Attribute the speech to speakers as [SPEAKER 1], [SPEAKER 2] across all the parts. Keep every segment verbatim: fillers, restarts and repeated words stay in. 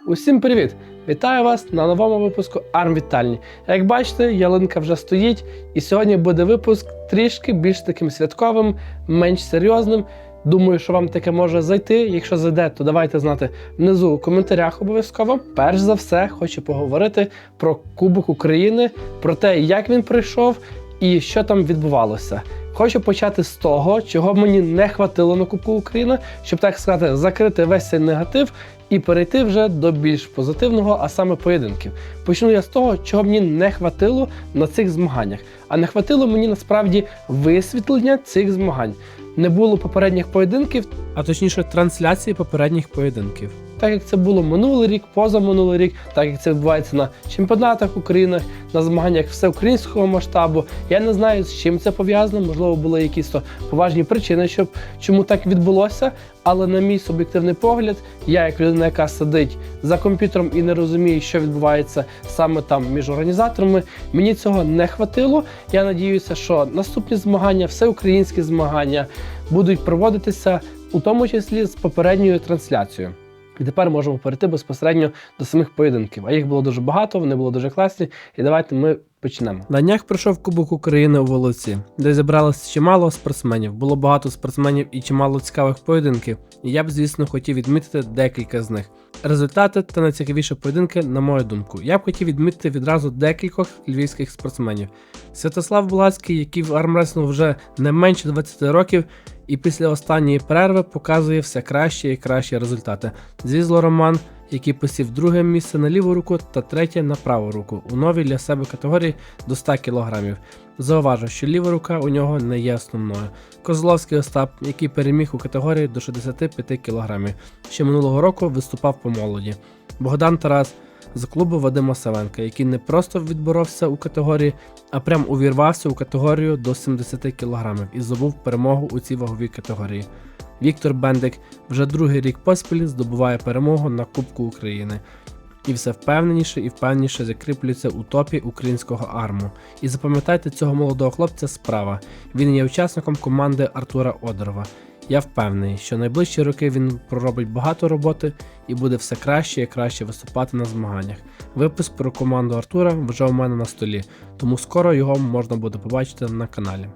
[SPEAKER 1] Усім привіт! Вітаю вас на новому випуску Армвітальні. Як бачите, ялинка вже стоїть, і сьогодні буде випуск трішки більш таким святковим, менш серйозним. Думаю, що вам таке може зайти. Якщо зайде, то давайте знати внизу у коментарях обов'язково. Перш за все, хочу поговорити про Кубок України, про те, як він пройшов і що там відбувалося. Хочу почати з того, чого мені не хватило на Кубку України, щоб, так сказати, закрити весь цей негатив і перейти вже до більш позитивного, а саме поєдинків. Почну я з того, чого мені не хватило на цих змаганнях. А не хватило мені насправді висвітлення цих змагань. Не було попередніх поєдинків, а точніше трансляції попередніх поєдинків. Так як це було минулий рік, позаминулий рік, так як це відбувається на чемпіонатах України, на змаганнях всеукраїнського масштабу. Я не знаю, з чим це пов'язано, можливо, були якісь то поважні причини, щоб чому так відбулося, але на мій суб'єктивний погляд, я як людина, яка сидить за комп'ютером і не розуміє, що відбувається саме там між організаторами, мені цього не хватило. Я надіюся, що наступні змагання, всеукраїнські змагання будуть проводитися у тому числі з попередньою трансляцією. І тепер можемо перейти безпосередньо до самих поєдинків. А їх було дуже багато, вони були дуже класні. І давайте ми почнемо. На днях пройшов Кубок України у Волоці, де зібралося чимало спортсменів. Було багато спортсменів і чимало цікавих поєдинків. І я б, звісно, хотів відмітити декілька з них. Результати та найцікавіші поєдинки, на мою думку. Я б хотів відмітити відразу декількох львівських спортсменів. Святослав Булацький, який в армреслінгу вже не менше двадцяти років, і після останньої перерви показує все кращі і кращі результати. Зізло Роман, який посів друге місце на ліву руку та третє на праву руку у новій для себе категорії до ста кілограмів. Зауважу, що ліва рука у нього не є основною. Козловський Остап, який переміг у категорії до шістдесяти п'яти кілограмів, ще минулого року виступав по молоді. Богдан Тарас з клубу Вадима Савенка, який не просто відборовся у категорії, а прям увірвався у категорію до сімдесяти кілограмів і здобув перемогу у цій ваговій категорії. Віктор Бендик вже другий рік поспіль здобуває перемогу на Кубку України. І все впевненіше і впевненіше закріплюється у топі українського арму. І запам'ятайте цього молодого хлопця справа. Він є учасником команди Артура Одерова. Я впевнений, що найближчі роки він проробить багато роботи і буде все краще і краще виступати на змаганнях. Випуск про команду Артура вже у мене на столі, тому скоро його можна буде побачити на каналі.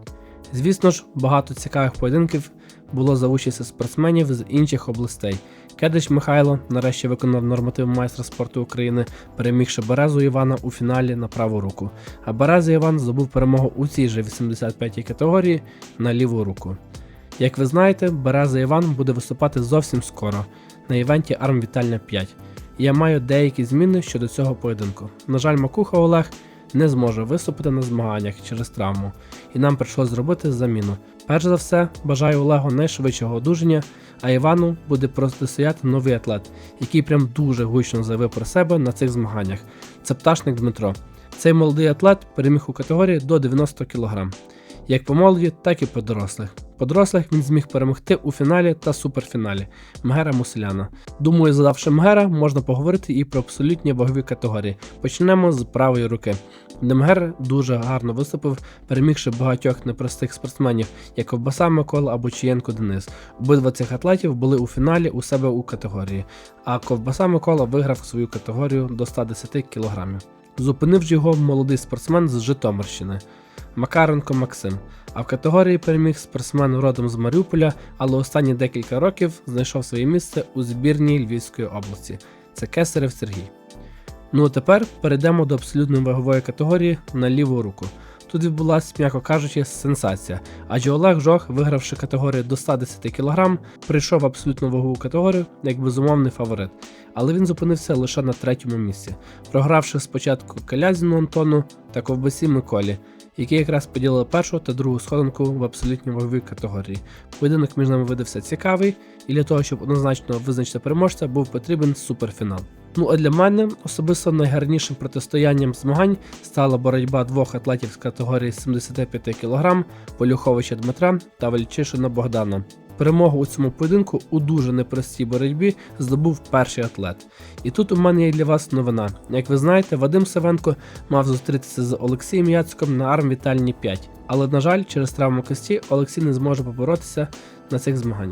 [SPEAKER 1] Звісно ж, багато цікавих поєдинків було за участю спортсменів з інших областей. Кедич Михайло нарешті виконав норматив майстра спорту України, перемігши Березу Івана у фіналі на праву руку. А Береза Іван здобув перемогу у цій же вісімдесят п'ятій категорії на ліву руку. Як ви знаєте, Береза Іван буде виступати зовсім скоро на івенті Армвітальня п'ять. І я маю деякі зміни щодо цього поєдинку. На жаль, Макуха Олег не зможе виступити на змаганнях через травму, і нам прийшлось зробити заміну. Перш за все, бажаю Олегу найшвидшого одужання, а Івану буде протистояти новий атлет, який прям дуже гучно заявив про себе на цих змаганнях. Це Пташник Дмитро. Цей молодий атлет переміг у категорії до дев'яноста кілограмів. Як по молоді, так і по дорослих. По дорослих він зміг перемогти у фіналі та суперфіналі Мгера Муселяна. Думаю, задавши Мгера, можна поговорити і про абсолютні вагові категорії. Почнемо з правої руки, де Мгер дуже гарно виступив, перемігши багатьох непростих спортсменів, як Ковбаса Микола або Чієнко Денис. Обидва цих атлетів були у фіналі у себе у категорії, а Ковбаса Микола виграв свою категорію до ста десяти кілограмів. Зупинив ж його молодий спортсмен з Житомирщини Макаренко Максим, а в категорії переміг спортсмен родом з Маріуполя, але останні декілька років знайшов своє місце у збірній Львівської області. Це Кесарев Сергій. Ну а тепер перейдемо до абсолютної вагової категорії на ліву руку. Тут відбулася, м'яко кажучи, сенсація, адже Олег Жох, вигравши категорію до ста десяти кілограмів, прийшов в абсолютну вагову категорію як безумовний фаворит, але він зупинився лише на третьому місці, програвши спочатку Калязіну Антону та Ковбасі Миколі, які якраз поділили першу та другу сходинку в абсолютній ваговій категорії. Поєдинок між ними видався цікавий, і для того, щоб однозначно визначити переможця, був потрібен суперфінал. Ну а для мене особисто найгарнішим протистоянням змагань стала боротьба двох атлетів з категорії сімдесят п'ять кілограмів Полюховича Дмитра та Вальчишина Богдана. Перемогу у цьому поєдинку у дуже непростій боротьбі здобув перший атлет. І тут у мене є для вас новина. Як ви знаєте, Вадим Савенко мав зустрітися з Олексієм Яцьком на Армвітальні п'ять, але, на жаль, через травму кисті Олексій не зможе поборотися на цих змаганнях.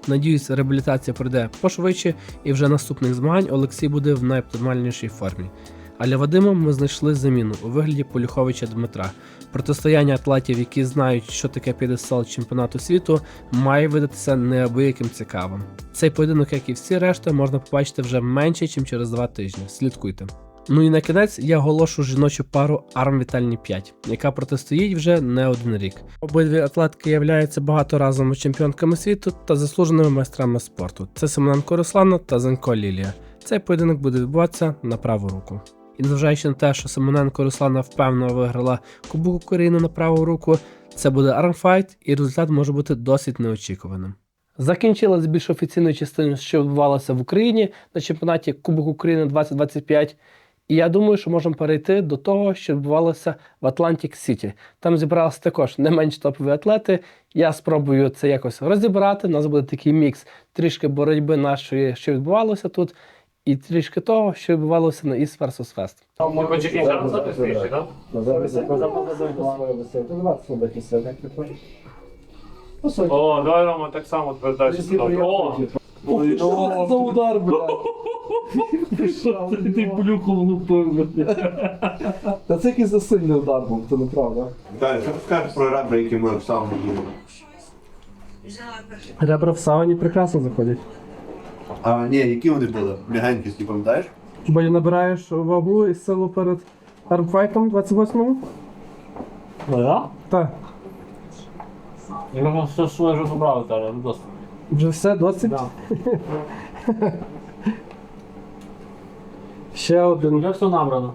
[SPEAKER 1] Надіюсь, реабілітація пройде пошвидше і вже наступних змагань Олексій буде в найоптимальнішій формі. А для Вадима ми знайшли заміну у вигляді Полюховича Дмитра. Протистояння атлетів, які знають, що таке п'єдестал чемпіонату світу, має видатися неабияким цікавим. Цей поєдинок, як і всі решта, можна побачити вже менше, ніж через два тижні. Слідкуйте. Ну і на кінець я оголошу жіночу пару Арм Вітальні п'ять, яка протистоїть вже не один рік. Обидві атлетки являються багаторазовими чемпіонками світу та заслуженими майстрами спорту. Це Семененко Руслана та Занько Лілія. Цей поєдинок буде відбуватися на праву руку. І незважаючи на те, що Семененко Руслана впевнено виграла Кубок України на праву руку, це буде армфайт і результат може бути досить неочікуваним. Закінчилась більш офіційною частиною, що відбувалося в Україні на чемпіонаті Кубок України двадцять двадцять п'ять. І я думаю, що можемо перейти до того, що відбувалося в Атлантик Сіті. Там зібралися також не менш топові атлети. Я спробую це якось розібрати. У нас буде такий мікс трішки боротьби нашої, що відбувалося тут, і трішки того, що відбувалося на East versus West.
[SPEAKER 2] О, давай, Рома, так само передачу. О!
[SPEAKER 3] Що за удар, блядь?
[SPEAKER 2] Ти плюху влупив.
[SPEAKER 3] Та це якийсь засильний удар був, це неправда.
[SPEAKER 4] Далі, що ти скажеш про ребра, які ми в самому їли?
[SPEAKER 1] Ребра в сауні прекрасно заходять.
[SPEAKER 4] А, ні, які вони були? М'ягенькі, ти пам'ятаєш?
[SPEAKER 1] Бо набираєш вагу і силу перед армфайтом двадцять восьмому?
[SPEAKER 2] Ну я?
[SPEAKER 1] Так.
[SPEAKER 2] Я думав, що своє вже забрали, але не досить.
[SPEAKER 1] Вже все, досить? Ще один.
[SPEAKER 2] Вже все набрано.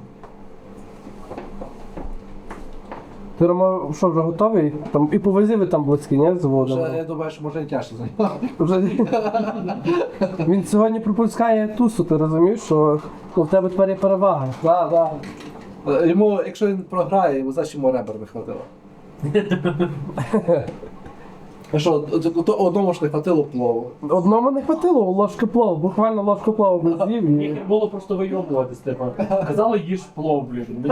[SPEAKER 1] Ти, Рома, що, вже готовий? Там і по вазі ви там близькі, ні? З Володимиром?
[SPEAKER 3] Вже, я думаю, що може і тяжко займати.
[SPEAKER 1] Вже... Він сьогодні пропускає тусу, ти розумієш, що ну, в тебе тепер є перевага.
[SPEAKER 3] Так, так. Йому, якщо він програє, йому значить йому ребер не хватило. А що, од- одному ж не хватило плову.
[SPEAKER 1] Одному не хватило ложки плов, буквально ложку плову би з'їв. і-
[SPEAKER 2] Їх було просто вийобувати, Степан. Казали, їж плов, блін.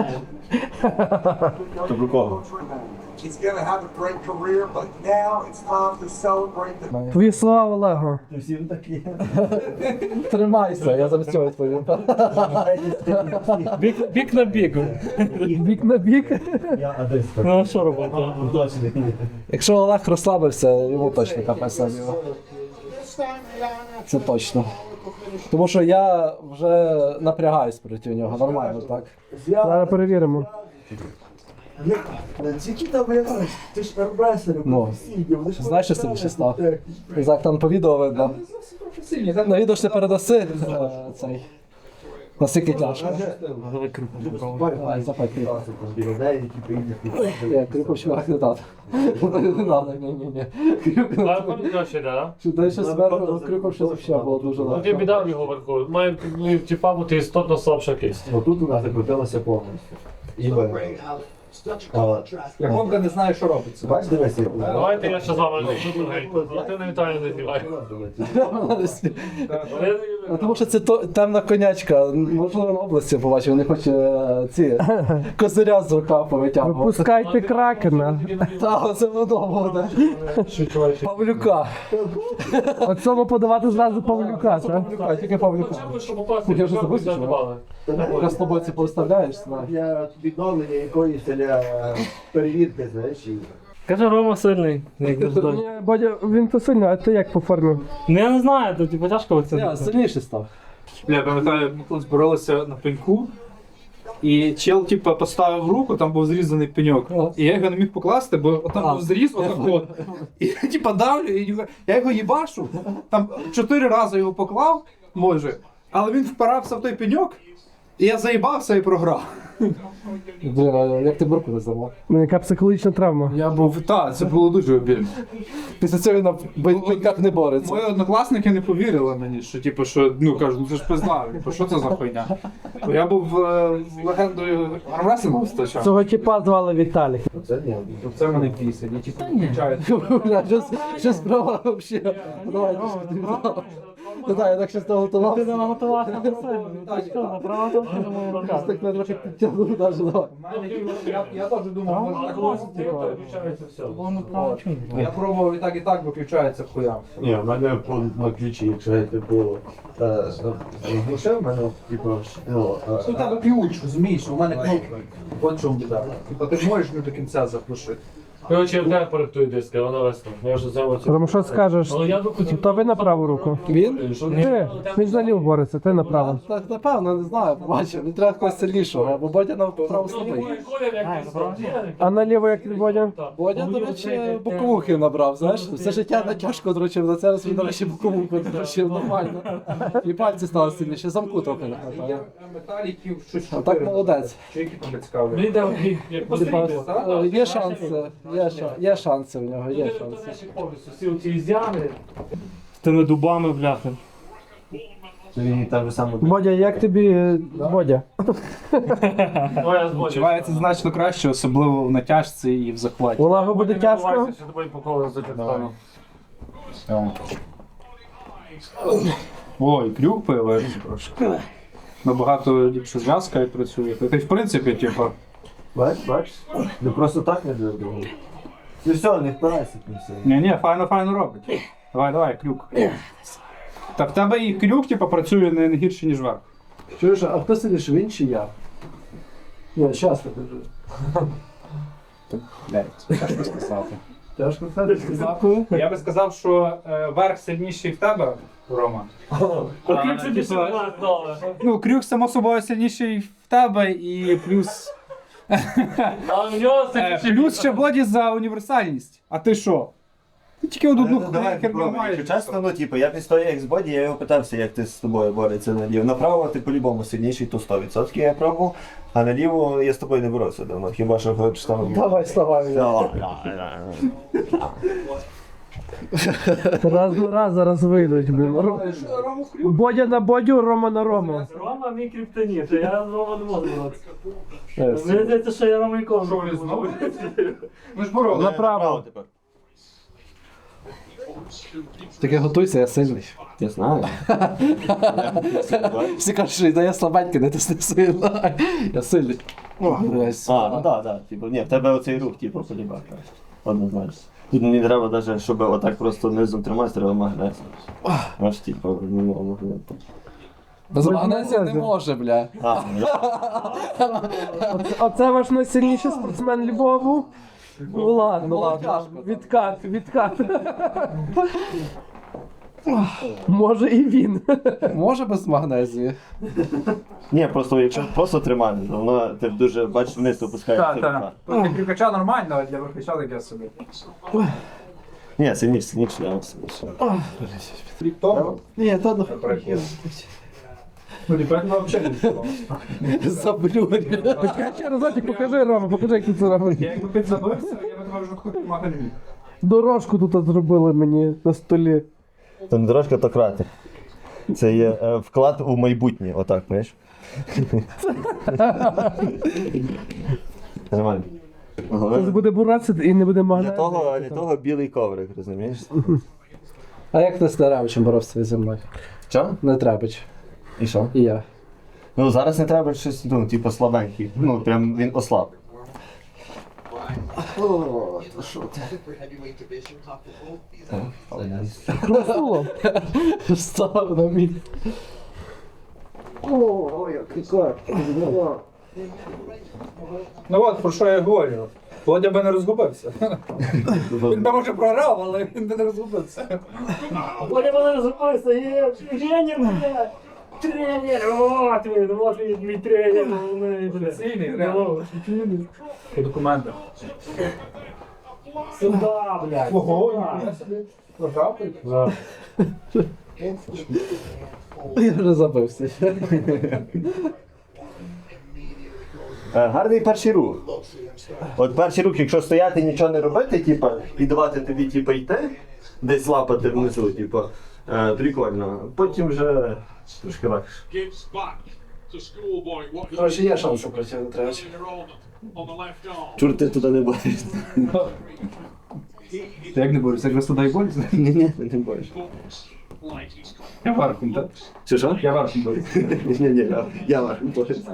[SPEAKER 4] То про кого?
[SPEAKER 5] He's going to have a great career, but now it's time to celebrate the
[SPEAKER 1] Твої слова, Олего.
[SPEAKER 3] Тримайся, я замість цього відповім.
[SPEAKER 2] Бік, бік на бік.
[SPEAKER 1] Бік на бік.
[SPEAKER 2] Ну а що робити?
[SPEAKER 3] Якщо Олег розслабився, йому точно капець на нього. Це точно. Тому що я вже напрягаюсь проти нього, нормально, так?
[SPEAKER 1] Зараз перевіримо.
[SPEAKER 5] Тільки там, я знаю, ти ж армрестлер,
[SPEAKER 3] Ну,
[SPEAKER 5] професійний, вони ж
[SPEAKER 3] знаєш, що сильніше став? Так, там по відео видно. На відео ж ти передаси е, цей. Наскільки тяжко. Ай, запай кріпо. Ні, кріпо ще не треба. Не треба, ні, ні, ні. Кріпо
[SPEAKER 2] А пам'ятаєш ще, да?
[SPEAKER 3] Що дай ще зверху, кріпо ще взагалі було дуже
[SPEAKER 2] Ну ти
[SPEAKER 3] легко.
[SPEAKER 2] біда в його верху. Має ну, типа бути істотно слабша кисть.
[SPEAKER 4] Отут у нас закрутилося повністю. І ви.
[SPEAKER 3] Як Гонка не знає, що робиться.
[SPEAKER 4] Бач, дивися.
[SPEAKER 2] Давайте я ще з вами а ти на Віталію не знімай.
[SPEAKER 3] А тому що це то, темна конячка. Можливо, на області побачив, не хоче е, ці козиря з рука повитягувати.
[SPEAKER 1] Випускайте кракена.
[SPEAKER 3] Так, це воно буде. Павлюка.
[SPEAKER 1] Оцьому подавати зразу Павлюка, так?
[SPEAKER 3] Павлюка, тільки Павлюка.
[SPEAKER 2] Щоб попасти,
[SPEAKER 3] Я вже забув,
[SPEAKER 2] це
[SPEAKER 3] що?
[SPEAKER 2] добавили.
[SPEAKER 3] Якраз з тобою це поставляєш, знаєш.
[SPEAKER 4] Для відновлення якоїсь для перевірки, знаєш, і...
[SPEAKER 2] Каже, Рома сильний, як завжди.
[SPEAKER 1] Ні, Бодя, він то сильно, а ти як по формі?
[SPEAKER 2] Ну я не знаю, то типу тяжко
[SPEAKER 3] Я
[SPEAKER 2] оцінити.
[SPEAKER 3] сильніший став.
[SPEAKER 6] Я пам'ятаю, ми колись боролися на пеньку, і чел, типу, поставив руку, там був зрізаний пеньок. І я його не міг покласти, бо там
[SPEAKER 3] А.
[SPEAKER 6] був зріз отак от. І я типу давлю, і його- я його їбашу, там чотири рази його поклав, може, але він впирався в той пеньок, і я заїбався і програв.
[SPEAKER 3] Блін, а як ти бурку не зламав?
[SPEAKER 1] Ну, яка психологічна травма.
[SPEAKER 6] Я був, так, це було дуже обідно.
[SPEAKER 3] Після цього він на бен- пеньках не бореться.
[SPEAKER 6] Мої однокласники не повірили мені, що типу, що ну кажуть, ну це ж пизда, типу, що це за хуйня? Бо я був е, легендою армреслінгу стачав.
[SPEAKER 1] Цього типа звали Віталік.
[SPEAKER 6] Це в мене пісень, я типу включаю.
[SPEAKER 3] Бля, Щось щось справа взагалі. Давай, Не знаю, я так щось наготувався.
[SPEAKER 2] Ти наготувався на себе. Так що, направо там, чи на мою
[SPEAKER 3] Щось
[SPEAKER 2] руку?
[SPEAKER 3] так мене трохи підтягнув навіть, давай.
[SPEAKER 6] Я, я теж думав, може так ось, типу.
[SPEAKER 2] Виключається все. Воно право чому?
[SPEAKER 6] Я пробував і так, і так виключається хуям.
[SPEAKER 4] Ні, в мене по на ключі, якщо я типу глушив, в мене типу, ну,
[SPEAKER 6] У тебе ключ, розумієш, у мене кнопка. От в чому біда. Типу ти можеш не до кінця заглушити.
[SPEAKER 2] Коротше, я вдав перед тою диски, вона весна. Я вже взяв оцю.
[SPEAKER 1] Рома, що скажеш?
[SPEAKER 2] Але я би хотів...
[SPEAKER 1] То ви на праву руку.
[SPEAKER 3] Він?
[SPEAKER 1] Ти, він ж наліво бореться, ти направо.
[SPEAKER 3] Так, напевно, не знаю, побачив. Не треба когось сильнішого, бо Бодя на праву слабий.
[SPEAKER 1] А наліво як ти, Бодя?
[SPEAKER 3] Бодя, до речі, боковухи набрав, знаєш? Все життя на тяжко дрочив, за це раз він, до речі, боковуху дрочив нормально. І пальці стали сильніші, замку трохи не хватає.
[SPEAKER 6] Металіків, щось
[SPEAKER 3] А так молодець.
[SPEAKER 6] Чи які там цікаві?
[SPEAKER 2] Мені дав як постріли, так?
[SPEAKER 3] Е, Є шанси, є, ша- є шанси в нього, є шанси.
[SPEAKER 2] Повністю всі оці зями. З тими дубами, бляха.
[SPEAKER 4] він так же само.
[SPEAKER 1] Бодя, як тобі, е, Бодя?
[SPEAKER 2] Ну, я збочу.
[SPEAKER 6] Відчувається значно краще, особливо в натяжці і в захваті.
[SPEAKER 1] Улагу буде тяжко?
[SPEAKER 2] Що тобі по колу зачитаю.
[SPEAKER 6] Ой, крюк появився трошки. Набагато ліпше зв'язка і працює. Та й в принципі, типу,
[SPEAKER 4] Бач, бач, не просто так не зробив. Ти все, не впирайся в все.
[SPEAKER 6] ні-ні, файно-файно робить. Давай, давай, крюк. Та в тебе і крюк, типу, працює не, не гірше, ніж верх.
[SPEAKER 3] Чуєш, а хто сильніше, він чи я? Ні, щас я кажу.
[SPEAKER 6] Тяжко сказати.
[SPEAKER 3] Тяжко сказати, дякую.
[SPEAKER 6] Я би сказав, що е, верх сильніший в тебе, Рома.
[SPEAKER 2] Окрім собі ще була знову.
[SPEAKER 6] Ну, крюк, само собою, сильніший в тебе, і плюс.
[SPEAKER 2] А в нього
[SPEAKER 6] Е,
[SPEAKER 2] це
[SPEAKER 6] плюс ще Боді за універсальність. А ти що? Ти тільки одну
[SPEAKER 7] Ну, давай
[SPEAKER 6] херню
[SPEAKER 7] попробуй.
[SPEAKER 6] маєш.
[SPEAKER 7] Якщо чесно, ну типу, я під той ексбоді, я його питався, як ти з тобою бореться наліво. Направо ти по-любому сильніший, то сто відсотків я пробував, а наліво я з тобою не боровся давно. Хіба що хочеш там.
[SPEAKER 3] Давай, вставай.
[SPEAKER 1] Раз на раз зараз вийдуть, блін. Ро- Бодя на Бодю, Рома на Рому.
[SPEAKER 2] Рома мій криптоніт, я з Рома не можу боротися.
[SPEAKER 3] Е,
[SPEAKER 2] Мені здається, що я Рома ніколи
[SPEAKER 6] Що
[SPEAKER 2] не
[SPEAKER 6] ви знову?
[SPEAKER 2] буду.
[SPEAKER 6] Ми ж боролися.
[SPEAKER 1] Направо.
[SPEAKER 7] тепер.
[SPEAKER 3] Тільки готуйся, я сильний.
[SPEAKER 7] Я знаю.
[SPEAKER 3] Всі кажуть, що да я слабенький, не тисни сильно. Я сильний. О, блядь.
[SPEAKER 7] А, ну так, так. Типу, ні, в тебе оцей рух, типу, полібак. Однозначно. Тут мені треба навіть, щоб отак просто низом тримати, треба магнез. Аж типу, ну, магнет.
[SPEAKER 3] Без магнезії не може, бля.
[SPEAKER 7] А, ну,
[SPEAKER 1] Оце, оце ваш найсильніший спортсмен Львову? Ну ладно,
[SPEAKER 3] Ну,
[SPEAKER 1] ладно.
[SPEAKER 3] тяжко,
[SPEAKER 1] Відкат, відкат. Може і він.
[SPEAKER 3] Може без магнезії.
[SPEAKER 7] ні, просто якщо просто тримати, то воно ти дуже, бачиш, вниз опускаєш.
[SPEAKER 6] Так, так. Для крюкача нормально, а для верхача таке собі.
[SPEAKER 7] Ні, сильніше, сильніше, я вам сильніше.
[SPEAKER 6] Тому,
[SPEAKER 3] Ні, то ну.
[SPEAKER 6] ну, ліпет ми взагалі не було.
[SPEAKER 3] Заблюрі.
[SPEAKER 1] Почекай ще разочок, покажи, Рома, покажи, як ти це робиш.
[SPEAKER 6] Я якби підзабився, я би тебе вже хоч магазин.
[SPEAKER 1] Дорожку тут зробили мені на столі.
[SPEAKER 7] То не дорожка, то кратер. Це є е, вклад у майбутнє, отак, знаєш? Нормально.
[SPEAKER 1] Це буде буратися і не буде
[SPEAKER 7] Для
[SPEAKER 1] магнезії.
[SPEAKER 7] того, для того білий коврик, розумієш?
[SPEAKER 3] А як ти з Теревичем боровся зі мною?
[SPEAKER 7] Що?
[SPEAKER 3] Не Требич.
[SPEAKER 7] І що?
[SPEAKER 3] І я.
[SPEAKER 7] Ну зараз не треба щось, ну, типу, слабенький. Ну, прям він ослаб. О, то що ти?
[SPEAKER 1] Красуло.
[SPEAKER 3] Став на мій.
[SPEAKER 6] Ну от, про що я говорю. Володя би не розгубився. Він би може програв, але він би не розгубився.
[SPEAKER 2] Вони мене розгубився, є тренер, блядь. Тренер, от він, от він, мій тренер.
[SPEAKER 6] Сильний, реально. По документах.
[SPEAKER 2] Сюда, блядь.
[SPEAKER 6] Ого, програв?
[SPEAKER 3] Я вже забився.
[SPEAKER 7] Е, Гарний перший рух. От перший рух, якщо стояти нічого не робити, типу, і давати тобі типу, йти, десь лапати внизу, типу, е, прикольно. Потім вже трошки легше.
[SPEAKER 5] Gives back to schoolboy. What
[SPEAKER 3] Коротше, є шанси проти Требича.
[SPEAKER 5] on the left arm.
[SPEAKER 7] Чур ти туди не боїшся.
[SPEAKER 6] Ти як не борешся, як раз туди і борешся?
[SPEAKER 7] Ні, ні, не боїшся.
[SPEAKER 6] Я верхом, так?
[SPEAKER 7] Чи що?
[SPEAKER 6] Я верхом борюсь.
[SPEAKER 7] Ні, ні, я, я ваш.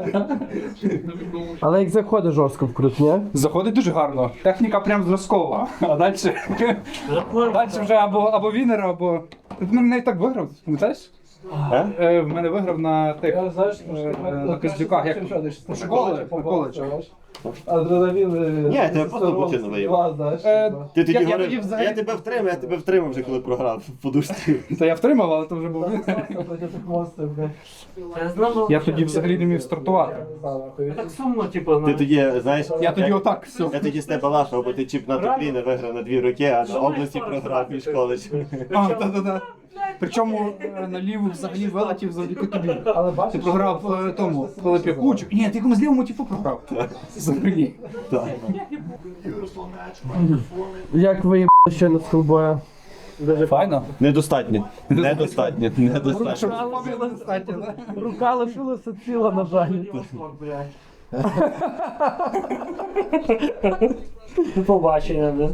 [SPEAKER 1] Але як заходить жорстко вкрут, ні?
[SPEAKER 6] Заходить дуже гарно. Техніка прям зразкова. А далі. Далі вже або, або вінер, або. Ти в мене навіть так виграв, пам'ятаєш?
[SPEAKER 7] А?
[SPEAKER 6] Е, в мене виграв на тих.
[SPEAKER 3] Я знаєш,
[SPEAKER 6] е, на Костюках, як коледж, коледж.
[SPEAKER 3] Адреналін.
[SPEAKER 7] Ні, я тебе просто бутину виїв.
[SPEAKER 3] знаєш.
[SPEAKER 6] Е,
[SPEAKER 7] Ти тоді
[SPEAKER 6] Я- я
[SPEAKER 7] говорив,
[SPEAKER 6] тоді
[SPEAKER 7] я,
[SPEAKER 6] взагалі-
[SPEAKER 7] тебе втримав, я тебе втримав вже коли програв в подушці.
[SPEAKER 6] Та я втримав, але то вже був вінер. Я тоді взагалі не міг стартувати.
[SPEAKER 2] Так сумно, типу,
[SPEAKER 7] Ти тоді, знаєш,
[SPEAKER 6] Я тоді отак все.
[SPEAKER 7] я тоді з тебе лахав, бо ти чемпіонат України виграв на дві роки, а на області програв між коледжем.
[SPEAKER 6] А, та-та-та. Причому е, на ліву взагалі вилетів завдяки тобі.
[SPEAKER 3] Але
[SPEAKER 6] Ти
[SPEAKER 3] бачиш,
[SPEAKER 6] програв е, тому Пилип'яку. Ні, ти комусь лівому типу програв. Взагалі.
[SPEAKER 7] Так.
[SPEAKER 1] Як ви щойно з колбоя?
[SPEAKER 6] Файно.
[SPEAKER 7] Недостатньо. Недостатньо. Недостатньо.
[SPEAKER 1] Рука лишилася ціла, на жаль.
[SPEAKER 2] Побачення, да.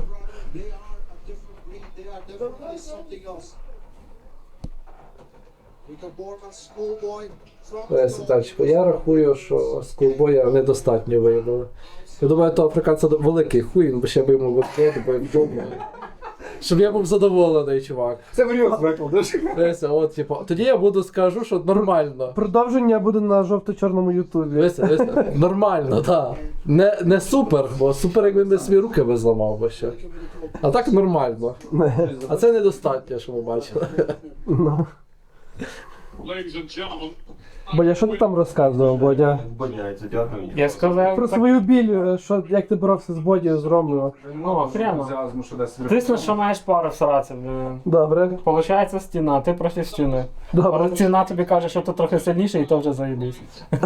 [SPEAKER 3] Сітарчику, я рахую, що з колбоя недостатньо виявили. Я думаю, то африканця великий хуй, він би ще б йому виходив, бо вдома. Щоб я був задоволений, чувак.
[SPEAKER 6] Це варіант викладеш.
[SPEAKER 3] Дивися, от, типу, тоді я буду скажу, що нормально.
[SPEAKER 1] Продовження буде на жовто-чорному ютубі.
[SPEAKER 3] Дивися, дивися, нормально, так. Не, не супер, бо супер, якби не свої руки би зламав би ще. А так нормально. А це недостатньо, що ми бачили.
[SPEAKER 1] Бодя, що ти там розказував, Бодя?
[SPEAKER 7] Боняється, дякую.
[SPEAKER 2] Я сказав,
[SPEAKER 1] Про
[SPEAKER 2] так,
[SPEAKER 1] свою біль, що, як ти боровся з Бодією, з Ромою.
[SPEAKER 2] ну, прямо. Ти що маєш пару всратися, блін.
[SPEAKER 1] Добре,
[SPEAKER 2] Получається стіна, ти проти стіни.
[SPEAKER 1] добре.
[SPEAKER 2] Але стіна тобі каже, що ти трохи сильніший, і то вже заїбись.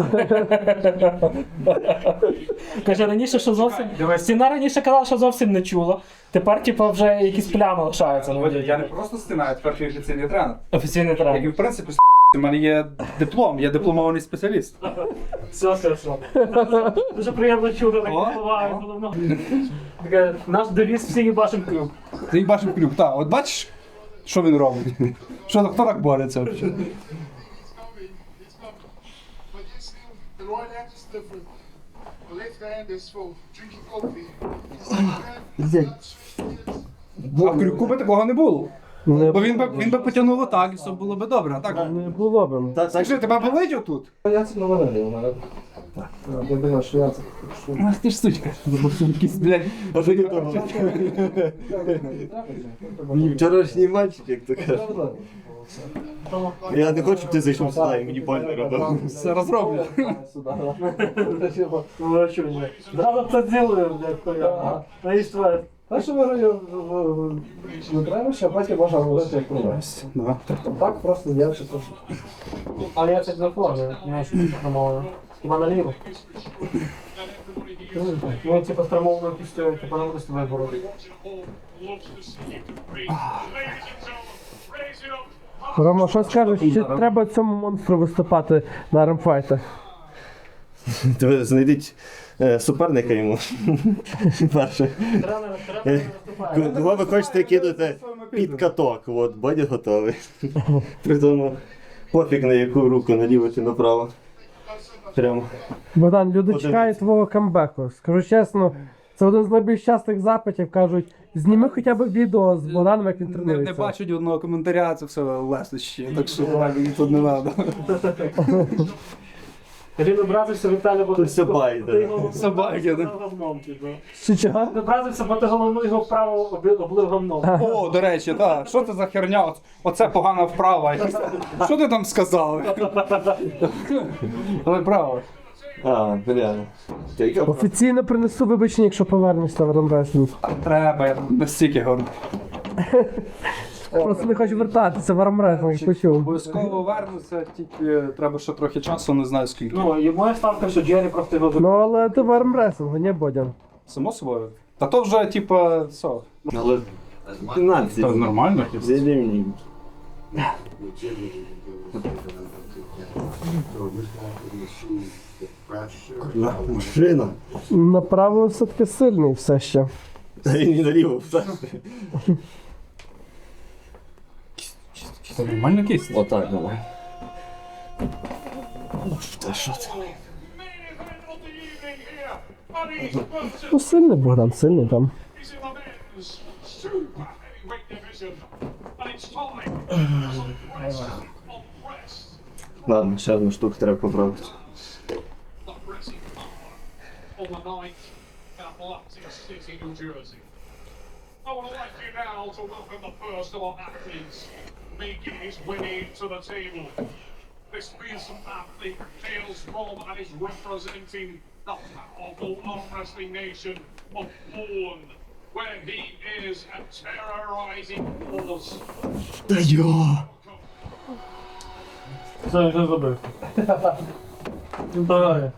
[SPEAKER 2] Каже, раніше, що зовсім. Стіна раніше казала, що зовсім не чула. Тепер, типу, вже якісь плями лишаються. Ну,
[SPEAKER 6] Я не просто стіна, я тепер ще офіційний тренер.
[SPEAKER 2] офіційний
[SPEAKER 6] Як і
[SPEAKER 2] тренер.
[SPEAKER 6] в принципі, у мене є диплом, я дипломований спеціаліст.
[SPEAKER 2] Все, все, все. Дуже приємно чути, так
[SPEAKER 6] О,
[SPEAKER 2] впливає
[SPEAKER 6] о.
[SPEAKER 2] головно. Таке, наш девіз всі їбашим клюк.
[SPEAKER 6] Ти бачив клюк, так. От бачиш, що він робить? Що, хто так бореться взагалі?
[SPEAKER 8] The right hand is different. The left hand is for drinking coffee.
[SPEAKER 6] А в крюку би такого не було.
[SPEAKER 1] Не,
[SPEAKER 6] Бо він би, він би потягнув отак, і все було би добре, а так?
[SPEAKER 1] не було б.
[SPEAKER 7] Та, так,
[SPEAKER 6] Скажи, тебе болить отут?
[SPEAKER 3] Я це говорив у мене. Я думаю, що я це.
[SPEAKER 6] Ах ти ж сучка. Якийсь, блядь.
[SPEAKER 7] вчорашній матч, як то кажуть. Я не хочу, щоб ти зайшов сюди і мені больно робив.
[SPEAKER 6] Все розроблю.
[SPEAKER 2] Ну, а що ні? Зразу це ділаю, блядь, хуя. Наїштве.
[SPEAKER 3] Та що виграю, не треба, що потім можна говорити як прогрес.
[SPEAKER 6] Да.
[SPEAKER 3] Так просто з'явився трошки.
[SPEAKER 2] Але я це не формую, я ж спрямовую. Хіба наліво? Ну, типу, спрямовую пістю, типу, не буду з тобою боротися.
[SPEAKER 1] Рома, що скажеш, чи треба цьому монстру виступати на ремфайтах?
[SPEAKER 7] Тебе знайдіть е, суперника йому. Перше.
[SPEAKER 2] Тренер, тренер виступає.
[SPEAKER 7] Кого ви хочете кинути під каток, от, Бодя готовий. При тому пофіг на яку руку, наліво чи направо. Прямо.
[SPEAKER 1] Богдан, люди
[SPEAKER 7] Подивіться.
[SPEAKER 1] чекають твого камбеку. Скажу чесно, це один з найбільш частих запитів. Кажуть, зніми хоча б відео з Богданом, як він
[SPEAKER 6] Не, не
[SPEAKER 1] тренується.
[SPEAKER 6] бачать одного коментаря, це все лестище, так що мені тут не треба.
[SPEAKER 2] Він образився Віталій, бо
[SPEAKER 7] Тут собаки,
[SPEAKER 2] ти
[SPEAKER 7] да.
[SPEAKER 2] його
[SPEAKER 6] Собаки, да.
[SPEAKER 2] говном, типу.
[SPEAKER 1] Чи чого?
[SPEAKER 2] Він образився, бо ти головну його вправо оби- облив говном.
[SPEAKER 6] О, до речі, так. Що це за херня? Оц- Оце погана вправа. Що ти там сказав? Але право.
[SPEAKER 7] А, бля. Та яка правда?
[SPEAKER 1] Офіційно принесу вибачення, якщо повернешся в Ремреслінг.
[SPEAKER 6] Треба, я настільки горд.
[SPEAKER 1] Просто не хочу вертатися в армреслінг, почув.
[SPEAKER 6] Обов'язково вернуся, тільки треба ще трохи часу, не знаю скільки.
[SPEAKER 2] Ну, і моя ставка, що Джері просто його
[SPEAKER 1] Ну але ти в армреслінгу, не Бодян.
[SPEAKER 6] Само собою. Та то вже, типа, все.
[SPEAKER 7] Але пінальці.
[SPEAKER 6] Це нормально.
[SPEAKER 7] Взяли мені. На, машина.
[SPEAKER 1] Направо все-таки сильний все ще.
[SPEAKER 7] Та він і наліво. все.
[SPEAKER 9] Це нормальна кість.
[SPEAKER 3] Отак, давай. Та що це?
[SPEAKER 1] Ну, сильний Богдан, сильний там.
[SPEAKER 8] He's in the men's super heavyweight division. And it's time for press on press.
[SPEAKER 7] Ладно, ще одну штуку треба поправити.
[SPEAKER 8] The pressing power on the ninth in Atlantic City, New Jersey. I would like you now to welcome the first of our athletes making his way to the table. This fearsome athlete hails from and is representing the powerful arm wrestling nation of Poland, where he is a terrorizing force.
[SPEAKER 7] Та йо!
[SPEAKER 2] Це вже забив. Давай.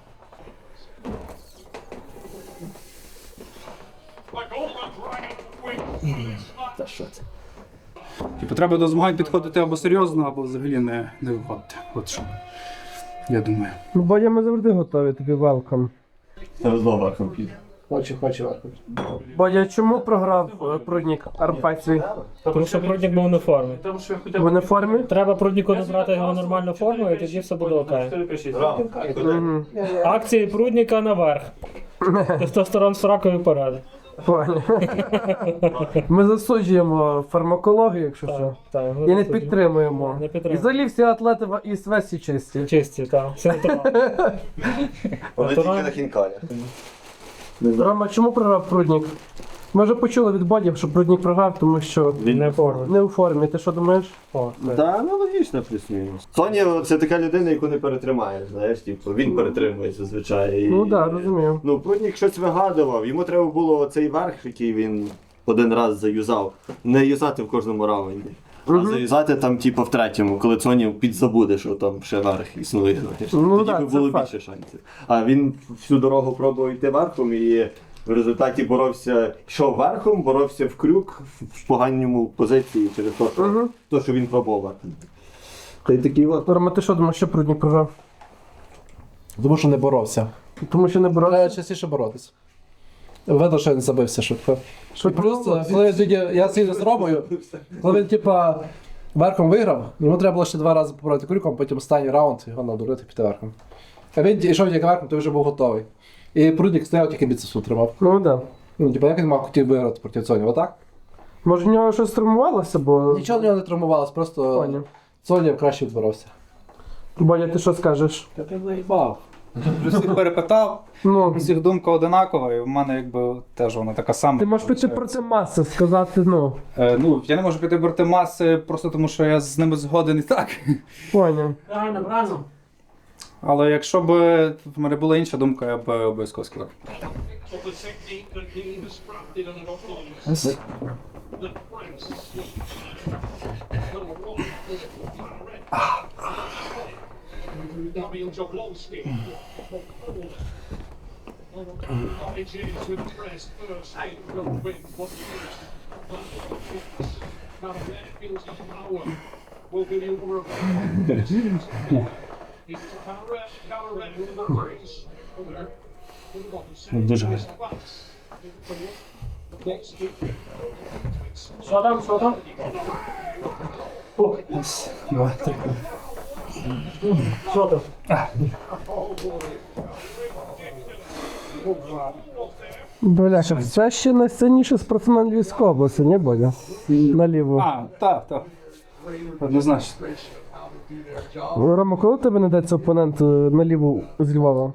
[SPEAKER 8] The Golden Dragon wins this match.
[SPEAKER 7] Та що це?
[SPEAKER 9] Типу, треба до змагань підходити або серйозно, або взагалі не, не виходити. От що. Я думаю.
[SPEAKER 1] Ну, Бодя, ми завжди готові, тобі велкам.
[SPEAKER 7] Це знову верхом піде.
[SPEAKER 3] Хоче, хоче, хоче.
[SPEAKER 1] Бодя, чому програв е, Пруднік армфайт свій?
[SPEAKER 2] Тому що Пруднік був не в формі.
[SPEAKER 1] В уніформі?
[SPEAKER 2] Треба Прудніку набрати його нормальну форму, і тоді все буде окей.
[SPEAKER 1] Угу.
[SPEAKER 2] Акції Прудніка наверх. Тестостерон з ракові поради.
[SPEAKER 1] Понял. Ми засуджуємо фармакологію, якщо що.
[SPEAKER 2] Так,
[SPEAKER 1] І не підтримуємо.
[SPEAKER 2] Не
[SPEAKER 1] І
[SPEAKER 2] підтримуємо.
[SPEAKER 1] взагалі всі атлети в- із Весі чисті.
[SPEAKER 2] Чисті, так. Все натурально.
[SPEAKER 7] Вони тільки
[SPEAKER 2] Натурально.
[SPEAKER 7] на хінкалях.
[SPEAKER 1] Рома, чому програв Пруднік? Ми вже почули від Боді, що Пруднік програв, тому що
[SPEAKER 7] Він
[SPEAKER 2] Не в формі.
[SPEAKER 1] не у формі. Ти що думаєш?
[SPEAKER 2] О, це.
[SPEAKER 7] Та, ну логічно плюс-мінус. Соня це така людина, яку не перетримаєш, знаєш, типу, він перетримує зазвичай. І-
[SPEAKER 1] Ну так, да, розумію.
[SPEAKER 7] Ну, Пруднік щось вигадував, йому треба було цей верх, який він один раз заюзав, не юзати в кожному раунді. А заюзати там, типу, в третьому, коли Соня підзабуде, що там ще верх існує. Знаєш.
[SPEAKER 1] Ну,
[SPEAKER 7] Тоді
[SPEAKER 1] да,
[SPEAKER 7] би
[SPEAKER 1] це
[SPEAKER 7] було
[SPEAKER 1] факт.
[SPEAKER 7] більше шансів. А він всю дорогу пробував йти верхом і в результаті боровся, йшов верхом, боровся в крюк в поганому позиції через те, що,
[SPEAKER 1] Мгм.
[SPEAKER 7] то, що він пробував верхом. Та й такий от.
[SPEAKER 1] Рома, ти що думаєш, що Пруднік програв?
[SPEAKER 3] Тому що не боровся.
[SPEAKER 1] Тому що не
[SPEAKER 3] Треба
[SPEAKER 1] боровся.
[SPEAKER 3] частіше боротися. Видно, що він забився швидко.
[SPEAKER 1] Що
[SPEAKER 3] Плюс, коли я тоді- я сидів з Ромою, коли він, типа, верхом виграв, йому треба було ще два рази побороти крюком, потім останній раунд його надурити піти верхом. А він йшов тільки верхом, то вже був готовий. І Пруднік стояв, тільки біцепсу тримав.
[SPEAKER 1] Ну так. Да.
[SPEAKER 3] Ну, типа, як він мав хотів виграти проти Соні, отак?
[SPEAKER 1] Може в нього щось травмувалося, бо.
[SPEAKER 3] Нічого в нього не травмувалось, просто
[SPEAKER 1] Поняв.
[SPEAKER 3] Соня краще відборовся.
[SPEAKER 1] Бодя, ти що скажеш?
[SPEAKER 3] Та ти заїбав.
[SPEAKER 9] Всіх перепитав,
[SPEAKER 1] Ну,
[SPEAKER 9] у всіх думка одинакова, і в мене якби теж вона така сама.
[SPEAKER 1] ти можеш піти проти маси, сказати, ну,
[SPEAKER 9] Е, ну, я не можу піти проти маси, просто тому що я з ними згоден і так.
[SPEAKER 1] поняв.
[SPEAKER 2] Правильно, правильно.
[SPEAKER 9] Але якщо б в мене була інша думка, я б обов'язково сказав.
[SPEAKER 8] Of the technique that he has crafted and adopted. The Prince. Number one. Damian Jablonski. Origins with the press first. Will win what first. Now there feels his power. Will be the order of He's counter counter with the Prince.
[SPEAKER 7] Дуже гарно.
[SPEAKER 2] Що там, що там?
[SPEAKER 9] Два, три.
[SPEAKER 2] Що там?
[SPEAKER 1] Бляха, це ще найсильніший спортсмен Львівської області, не Бодя? Наліво.
[SPEAKER 9] А, так, так. Однозначно.
[SPEAKER 1] Рома, коли тебе знайдеться опонент е, наліво з Львова?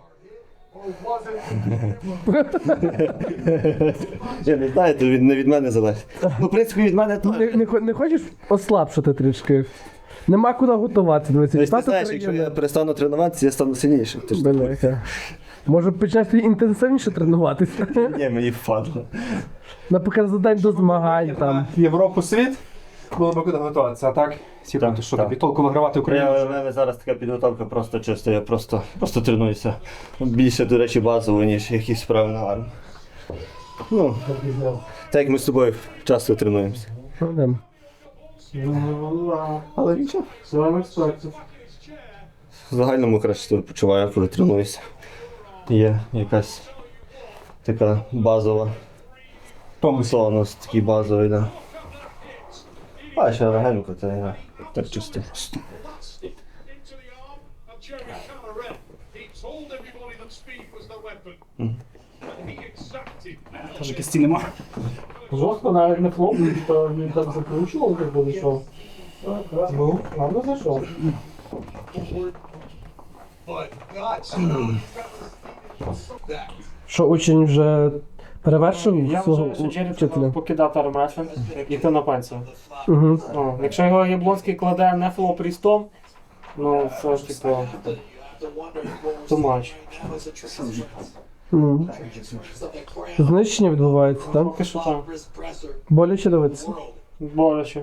[SPEAKER 7] Я не знаю, то від, не від мене залежить. Ну, в принципі, від мене теж.
[SPEAKER 1] Не, не, хо- не хочеш ослабшити трішки? Нема куди готувати. Дивися,
[SPEAKER 7] Тобто, ти
[SPEAKER 1] чемпіонат
[SPEAKER 7] знаєш, якщо я
[SPEAKER 1] України.
[SPEAKER 7] перестану тренуватися, я стану сильнішим. Ти ж
[SPEAKER 1] Бляха. Може почати інтенсивніше тренуватися?
[SPEAKER 7] ні, мені впадло.
[SPEAKER 1] Наприклад, за день до змагань там.
[SPEAKER 9] Європу, світ, було б куди готуватися, а так? Типу,
[SPEAKER 7] Так,
[SPEAKER 9] ти що
[SPEAKER 7] так.
[SPEAKER 9] тобі толку вигравати Україну?
[SPEAKER 7] Я, в мене зараз така підготовка просто чисто, я просто, просто тренуюся. Більше, до речі, базово, ніж якісь справи на армію. Ну, так як ми з тобою часто тренуємося.
[SPEAKER 1] Ну, да.
[SPEAKER 7] Але нічого.
[SPEAKER 1] З вами експерти.
[SPEAKER 7] В загальному краще себе почуваю, коли тренуюся. Є якась така базова. Тонус такий базовий, так. Да. А ще легенько, це я
[SPEAKER 9] Так чисто просто.
[SPEAKER 8] Into the arm of Jeremy Callaret. He told everybody that speed was the weapon. And he exacted.
[SPEAKER 9] Каже, кисті нема.
[SPEAKER 2] Жорстко навіть не хлопнув, то він так закручував, як буде йшов. Ну, ладно зайшов.
[SPEAKER 5] But not that.
[SPEAKER 1] Що учень вже перевершив
[SPEAKER 2] Я
[SPEAKER 1] свого
[SPEAKER 2] вважаю, що Джері
[SPEAKER 1] вчителя?
[SPEAKER 2] треба покидати армреслинг, йти на пенсію.
[SPEAKER 1] Угу.
[SPEAKER 2] Ну, якщо його Яблонський кладе не флоп-рістом, ну це ж типу too much.
[SPEAKER 1] Угу. Знищення відбувається, так?
[SPEAKER 2] Поки що там.
[SPEAKER 1] Боляче дивитися.
[SPEAKER 2] Боляче.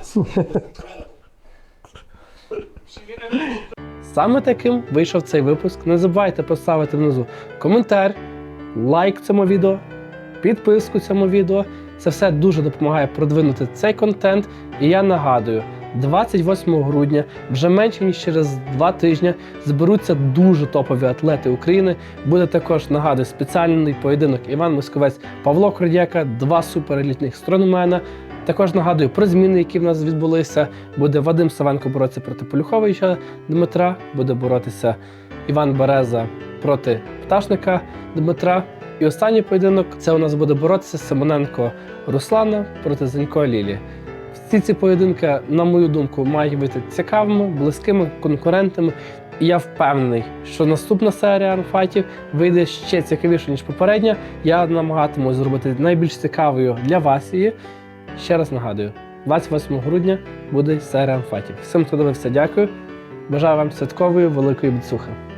[SPEAKER 1] Саме таким вийшов цей випуск. Не забувайте поставити внизу коментар, лайк цьому відео, підписку цьому відео. Це все дуже допомагає продвинути цей контент. І я нагадую, двадцять восьмого грудня, вже менше ніж через два тижні, зберуться дуже топові атлети України. Буде також, нагадую, спеціальний поєдинок Іван Московець, Павло Кродяка, два суперелітних стронгмена. Також нагадую про зміни, які в нас відбулися. Буде Вадим Савенко боротися проти Полюховича Дмитра, буде боротися Іван Береза проти Пташника Дмитра. І останній поєдинок – це у нас буде боротися Симоненко Руслана проти Зенько Лілі. Всі ці поєдинки, на мою думку, мають бути цікавими, близькими, конкурентами. І я впевнений, що наступна серія армфайтів вийде ще цікавіше, ніж попередня. Я намагатимусь зробити найбільш цікавою для вас її. Ще раз нагадую, двадцять восьмого грудня буде серія армфайтів. Всім, хто дивився, дякую. Бажаю вам святкової великої біцухи.